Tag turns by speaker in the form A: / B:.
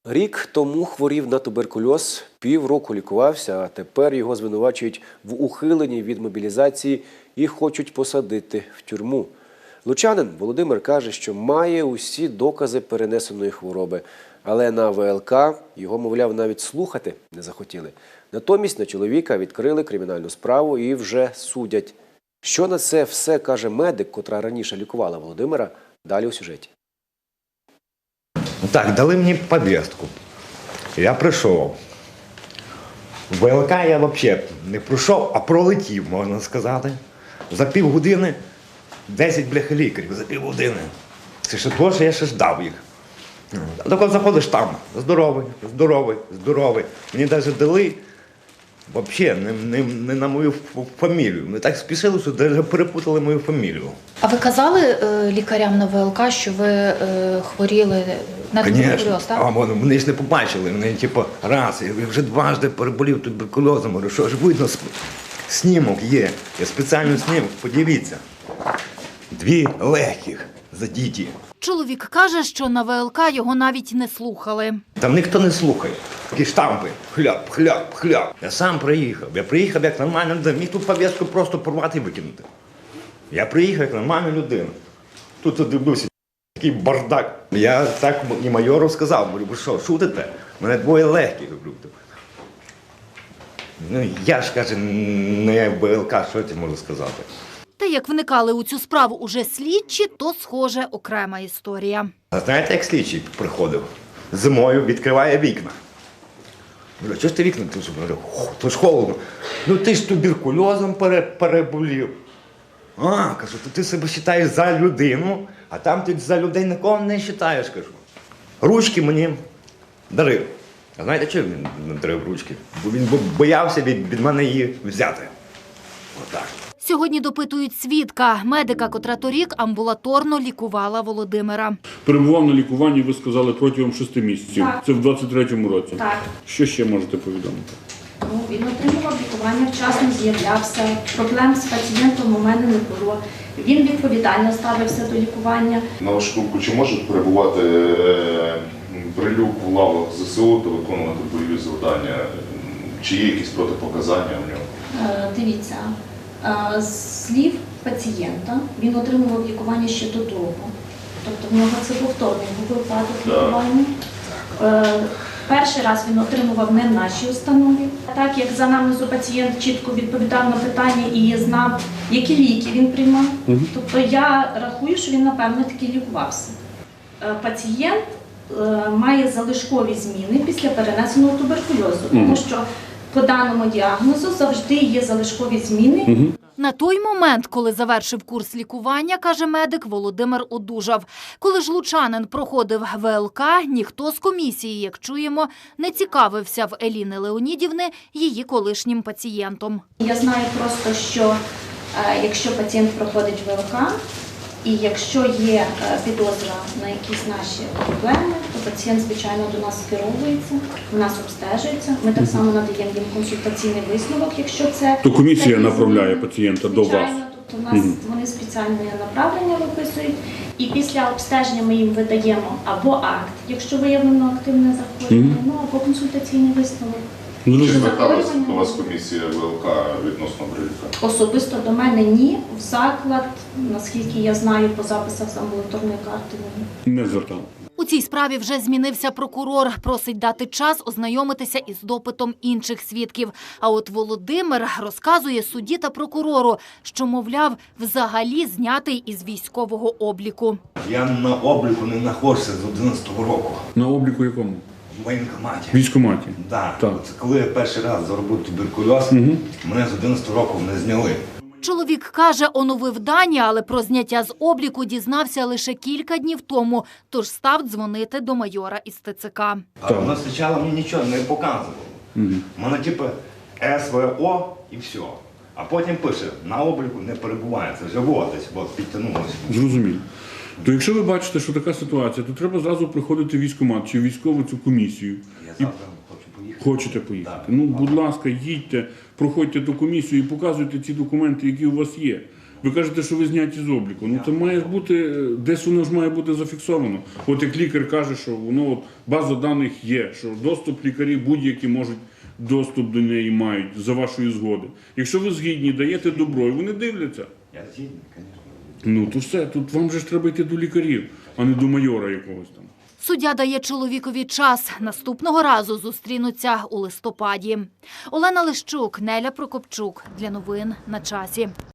A: Рік тому хворів на туберкульоз, півроку лікувався, а тепер його звинувачують в ухиленні від мобілізації і хочуть посадити в тюрму. Лучанин Володимир каже, що має усі докази перенесеної хвороби, але на ВЛК його, мовляв, навіть слухати не захотіли. Натомість на чоловіка відкрили кримінальну справу і вже судять. Що на це все каже медик, котра раніше лікувала Володимира, далі у сюжеті.
B: Так, дали мені повістку. Я прийшов. В ВЛК я взагалі не пройшов, а пролетів, можна сказати. За півгодини 10 лікарів, за півгодини. Це ще то, що я ще ждав їх. А коли заходиш там, здоровий, здоровий, здоровий. Мені навіть дали взагалі не на мою фамілію. Ми так спішили, що навіть перепутали мою фамілію.
C: А ви казали лікарям на ВЛК, що ви хворіли на туберкульоз, так?
B: А вони ж не побачили. Вони, типу, раз, я вже дважди переболів туберкульозом. Говорю, що ж видно, снімок є. Я спеціально снімок, подивіться. 2 легких задіті.
C: Чоловік каже, що на ВЛК його навіть не слухали.
B: Там ніхто не слухає. Такі штампи. Хляп, хляп, хляп. Я сам приїхав. Я приїхав як нормальна людина. Міг ту повістку просто порвати і викинути. Я приїхав як нормальна людина. Тут дивлюся, такий бардак. Я так і майору сказав, говорю, ви що, шутите? Мене 2 легких. Ну, я ж, каже, не ВЛК, що я можу сказати.
C: Та як вникали у цю справу уже слідчі, то, схоже, окрема історія.
B: А знаєте, як слідчий приходив? Зимою відкриває вікна. Говорю, чого ж ти вікна? Говорю, то ж холодно. Ну ти ж туберкульозом переболів. А, кажу, то ти себе вважаєш за людину, а там ти за людей нікого не вважаєш, кажу. Ручки мені дарив. А знаєте, чого він не дарив ручки? Бо він боявся від мене її взяти. Отак.
C: Сьогодні допитують свідка, медика, котра торік амбулаторно лікувала Володимира.
D: Перебував на лікуванні, ви сказали, протягом 6 місяців.
E: Так.
D: Це в 23-му році.
E: Так.
D: Що ще можете повідомити?
E: Ну, він отримував лікування, вчасно з'являвся, проблем з пацієнтом у мене не було. Він відповідально ставився до лікування.
F: На вашу думку, чи може перебувати Прилюк в лавах ЗСУ та виконувати бойові завдання? Чи є якісь протипоказання в нього?
E: Дивіться, з слів пацієнта, він отримував лікування ще до того. Тобто в нього це повторний був випадок лікування. Перший раз він отримував не в нашій установі. Так як за анамнезу пацієнт чітко відповідав на питання і знав, які ліки він приймав. Тобто я рахую, що він, напевно, таки лікувався. Пацієнт має залишкові зміни після перенесеного туберкульозу, тому що по даному діагнозу завжди є залишкові зміни.
C: На той момент, коли завершив курс лікування, каже медик, Володимир одужав. Коли ж лучанин проходив ВЛК, ніхто з комісії, як чуємо, не цікавився в Еліни Леонідівни її колишнім пацієнтом.
E: Я знаю просто, що якщо пацієнт проходить ВЛК, і якщо є підозра на якісь наші проблеми, то пацієнт, звичайно, до нас скеровується, у нас обстежується. Ми так само надаємо їм консультаційний висновок, якщо це...
D: То комісія направляє пацієнта до вас?
E: Звичайно, тобто у нас вони спеціальне направлення виписують, і після обстеження ми їм видаємо або акт, якщо виявлено активне захворювання, або консультаційний висновок.
F: Чи зверталася до вас комісія ВЛК відносно Прилюка?
E: Особисто до мене ні. В заклад, наскільки я знаю, по записах з амбулаторної карти ні.
D: Не звертав.
C: У цій справі вже змінився прокурор. Просить дати час ознайомитися із допитом інших свідків. А от Володимир розказує судді та прокурору, що, мовляв, взагалі знятий із військового обліку.
B: Я на обліку не знаходжуся з 11-го року.
D: На обліку якому?
B: В воєнкоматі.
D: В військкоматі?
B: Да.
D: Так.
B: Це коли я перший раз заробив туберкульоз, мене з 11 року не зняли.
C: Чоловік каже, оновив дані, але про зняття з обліку дізнався лише кілька днів тому, тож став дзвонити до майора із ТЦК.
B: А воно спочатку мені нічого не показувало. Воно типу СВО і все. А потім пише, на обліку не перебуває. Це вже десь підтягнулося.
D: Зрозуміло. То якщо ви бачите, що така ситуація, то треба зразу приходити в військкомат чи в військову цю комісію.
B: Я завтра хочу поїхати.
D: Хочете поїхати?
B: Так.
D: Ну, будь ласка, їдьте, проходьте ту комісію і показуйте ці документи, які у вас є. Ви кажете, що ви зняті з обліку. Ну це має бути, десь воно ж має бути зафіксовано. От як лікар каже, що воно, от, база даних є, що доступ лікарі будь-які можуть доступ до неї мають за вашої згоди. Якщо ви згідні, даєте добро, і вони дивляться.
B: Я згідний, звісно.
D: Ну то все, тут вам же ж треба йти до лікарів, а не до майора якогось там.
C: Суддя дає чоловікові час. Наступного разу зустрінуться у листопаді. Олена Лищук, Неля Прокопчук. Для новин на часі.